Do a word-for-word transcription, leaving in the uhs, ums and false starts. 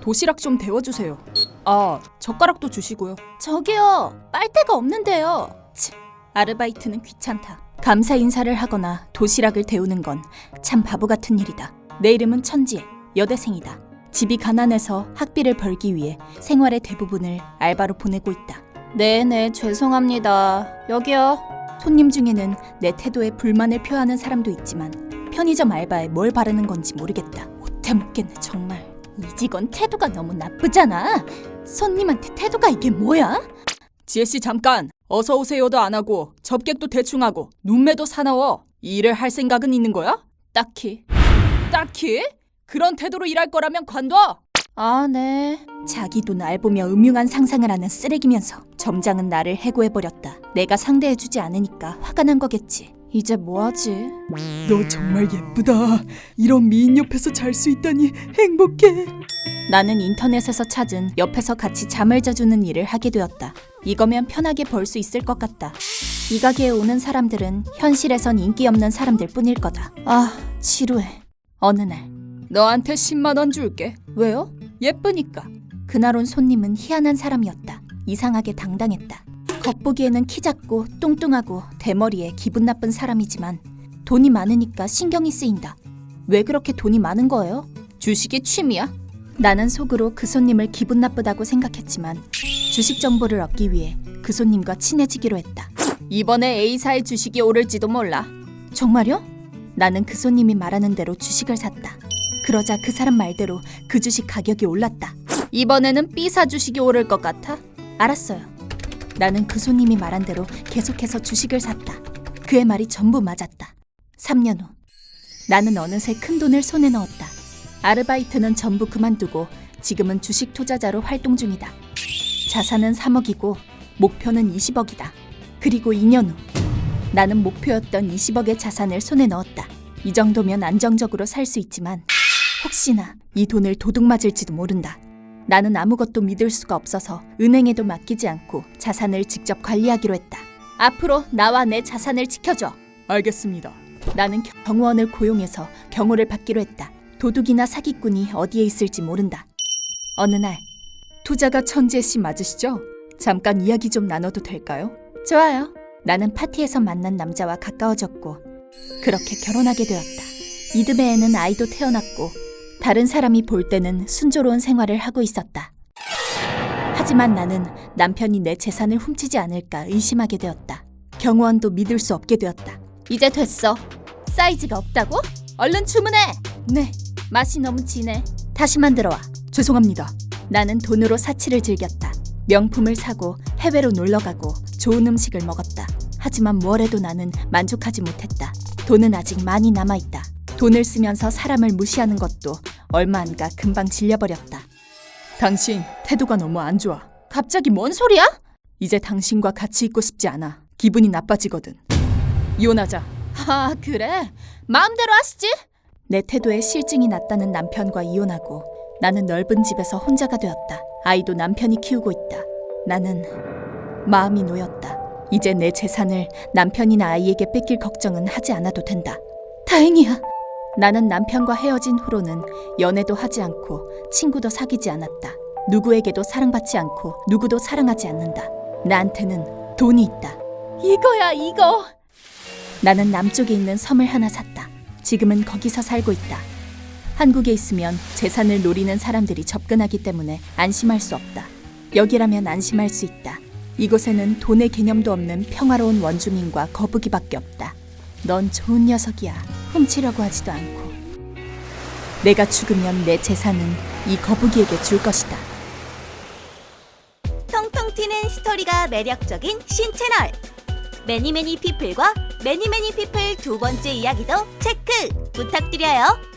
도시락 좀 데워주세요. 아, 젓가락도 주시고요. 저기요, 빨대가 없는데요. 치, 아르바이트는 귀찮다. 감사 인사를 하거나 도시락을 데우는 건 참 바보 같은 일이다. 내 이름은 천지혜, 여대생이다. 집이 가난해서 학비를 벌기 위해 생활의 대부분을 알바로 보내고 있다. 네네, 죄송합니다. 여기요. 손님 중에는 내 태도에 불만을 표하는 사람도 있지만 편의점 알바에 뭘 바르는 건지 모르겠다. 못해 먹겠네 정말. 이 직원 태도가 너무 나쁘잖아. 손님한테 태도가 이게 뭐야? 지혜씨 잠깐! 어서 오세요도 안 하고 접객도 대충 하고 눈매도 사나워. 이 일을 할 생각은 있는 거야? 딱히. 딱히? 그런 태도로 일할 거라면 관둬! 아, 네. 자기도 날 보며 음흉한 상상을 하는 쓰레기면서 점장은 나를 해고해버렸다. 내가 상대해주지 않으니까 화가 난 거겠지. 이제 뭐하지? 너 정말 예쁘다. 이런 미인 옆에서 잘 수 있다니 행복해. 나는 인터넷에서 찾은 옆에서 같이 잠을 자주는 일을 하게 되었다. 이거면 편하게 벌 수 있을 것 같다. 이 가게에 오는 사람들은 현실에선 인기 없는 사람들 뿐일 거다. 아, 지루해. 어느 날. 너한테 십만 원 줄게. 왜요? 예쁘니까. 그날 온 손님은 희한한 사람이었다. 이상하게 당당했다. 겉보기에는 키 작고 뚱뚱하고 대머리에 기분 나쁜 사람이지만 돈이 많으니까 신경이 쓰인다. 왜 그렇게 돈이 많은 거예요? 주식이 취미야? 나는 속으로 그 손님을 기분 나쁘다고 생각했지만 주식 정보를 얻기 위해 그 손님과 친해지기로 했다. 이번에 A사의 주식이 오를지도 몰라. 정말요? 나는 그 손님이 말하는 대로 주식을 샀다. 그러자 그 사람 말대로 그 주식 가격이 올랐다. 이번에는 B사 주식이 오를 것 같아? 알았어요. 나는 그 손님이 말한 대로 계속해서 주식을 샀다. 그의 말이 전부 맞았다. 삼 년 후. 나는 어느새 큰 돈을 손에 넣었다. 아르바이트는 전부 그만두고 지금은 주식 투자자로 활동 중이다. 자산은 삼억이고 목표는 이십억이다. 그리고 이 년 후. 나는 목표였던 이십억의 자산을 손에 넣었다. 이 정도면 안정적으로 살 수 있지만 혹시나 이 돈을 도둑 맞을지도 모른다. 나는 아무것도 믿을 수가 없어서 은행에도 맡기지 않고 자산을 직접 관리하기로 했다. 앞으로 나와 내 자산을 지켜줘. 알겠습니다. 나는 경호원을 고용해서 경호를 받기로 했다. 도둑이나 사기꾼이 어디에 있을지 모른다. 어느 날. 투자가 천지혜 씨 맞으시죠? 잠깐 이야기 좀 나눠도 될까요? 좋아요. 나는 파티에서 만난 남자와 가까워졌고 그렇게 결혼하게 되었다. 이듬해에는 아이도 태어났고 다른 사람이 볼 때는 순조로운 생활을 하고 있었다. 하지만 나는 남편이 내 재산을 훔치지 않을까 의심하게 되었다. 경호원도 믿을 수 없게 되었다. 이제 됐어. 사이즈가 없다고? 얼른 주문해. 네, 맛이 너무 진해. 다시 만들어와. 죄송합니다. 나는 돈으로 사치를 즐겼다. 명품을 사고 해외로 놀러가고 좋은 음식을 먹었다. 하지만 뭘 해도 나는 만족하지 못했다. 돈은 아직 많이 남아있다. 돈을 쓰면서 사람을 무시하는 것도 얼마 안 가 금방 질려버렸다. 당신 태도가 너무 안 좋아. 갑자기 뭔 소리야? 이제 당신과 같이 있고 싶지 않아. 기분이 나빠지거든. 이혼하자. 아, 그래? 마음대로 하시지. 내 태도에 실증이 났다는 남편과 이혼하고 나는 넓은 집에서 혼자가 되었다. 아이도 남편이 키우고 있다. 나는 마음이 놓였다. 이제 내 재산을 남편이나 아이에게 뺏길 걱정은 하지 않아도 된다. 다행이야. 나는 남편과 헤어진 후로는 연애도 하지 않고 친구도 사귀지 않았다. 누구에게도 사랑받지 않고 누구도 사랑하지 않는다. 나한테는 돈이 있다. 이거야 이거. 나는 남쪽에 있는 섬을 하나 샀다. 지금은 거기서 살고 있다. 한국에 있으면 재산을 노리는 사람들이 접근하기 때문에 안심할 수 없다. 여기라면 안심할 수 있다. 이곳에는 돈의 개념도 없는 평화로운 원주민과 거북이밖에 없다. 넌 좋은 녀석이야. 훔치려고 하지도 않고. 내가 죽으면 내 재산은 이 거북이에게 줄 것이다. 통통 튀는 스토리가 매력적인 신채널 매니매니 피플과 매니매니 피플 두 번째 이야기도 체크 부탁드려요.